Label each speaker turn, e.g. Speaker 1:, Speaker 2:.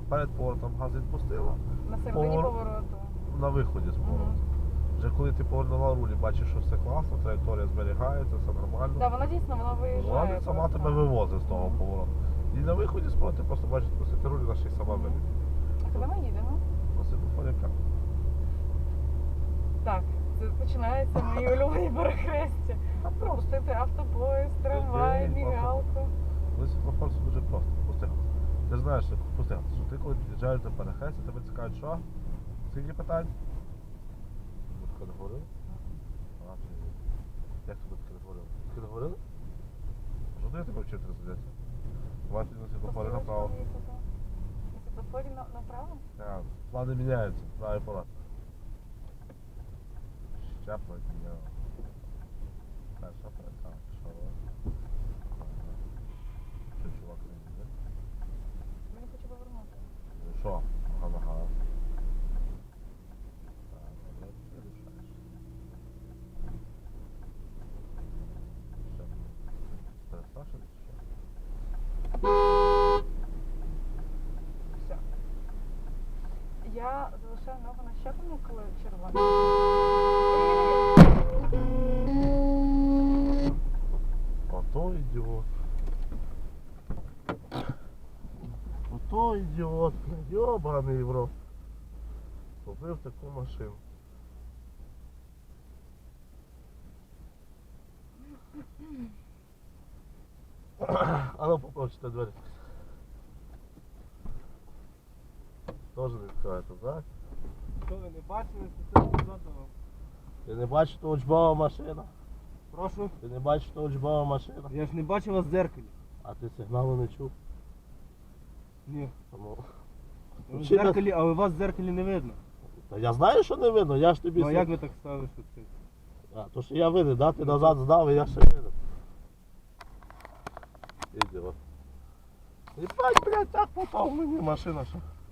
Speaker 1: перед поворотом газ відпустила.
Speaker 2: На середині повороту.
Speaker 1: На виході з повороту. Вже коли ти повернула руль і бачиш, що все класно, траєкторія зберігається, все нормально.
Speaker 2: Так, вона дійсно, вона виїжджає.
Speaker 1: Вона сама тебе вивозить з того повороту. І на виході з повороту ти просто бачиш, відпустити руль, вона ще й сама виліт.
Speaker 2: А куди ми їдемо?
Speaker 1: На світлофорі.
Speaker 2: Так, це починаються мої улюблені перехрестя. Пропустити автобоїзд, трамвай, мігалку.
Speaker 1: Коли світлофор це дуже просто. Пусти газ. Ти ж знаєш, що пусти газ, що ти коли під'їжджаєш до перехрестя, тебе цікавить, що? Скільки питань? Ми таке не говорили? Як тобі таке не говорили? Таке не говорили? Що я тебе вчив тебе розглядати? Давай на світлофорі направо.
Speaker 2: На світлофорі направо?
Speaker 1: Так, плани міняються, правий поворот. Щеплення міняли. Перша перека, що? Що чувак не їде?
Speaker 2: Він не хоче повернути.
Speaker 1: Ну що? Ага. Так, добре, ти рішаєш. Що? Перестрашили чи що?
Speaker 2: Все. Я залишаю ногу на щепленні, коли червоно.
Speaker 1: Ото ідіот. Ото ідіот, йобаний в рот. Купив таку машину. А ну попробуйте двері. Тоже не відкриваєте, так?
Speaker 3: Що ви не бачили, що це позаду?
Speaker 1: Ти не бачиш, що учбова машина?
Speaker 3: Прошу?
Speaker 1: Ти не бачиш, що учбова машина?
Speaker 3: Я ж не бачив вас в дзеркалі.
Speaker 1: А ти сигналу не чув?
Speaker 3: Ні.
Speaker 1: Тому...
Speaker 3: Ви в дзеркалі, але вас в дзеркалі не видно.
Speaker 1: Та я знаю, що не видно, я ж тобі...
Speaker 3: Ну а як ви так ставили, що це?
Speaker 1: А, то що я винен, да? Ти назад здав, і я ще винен. Ідіот. І блядь, так попав мені машина, що...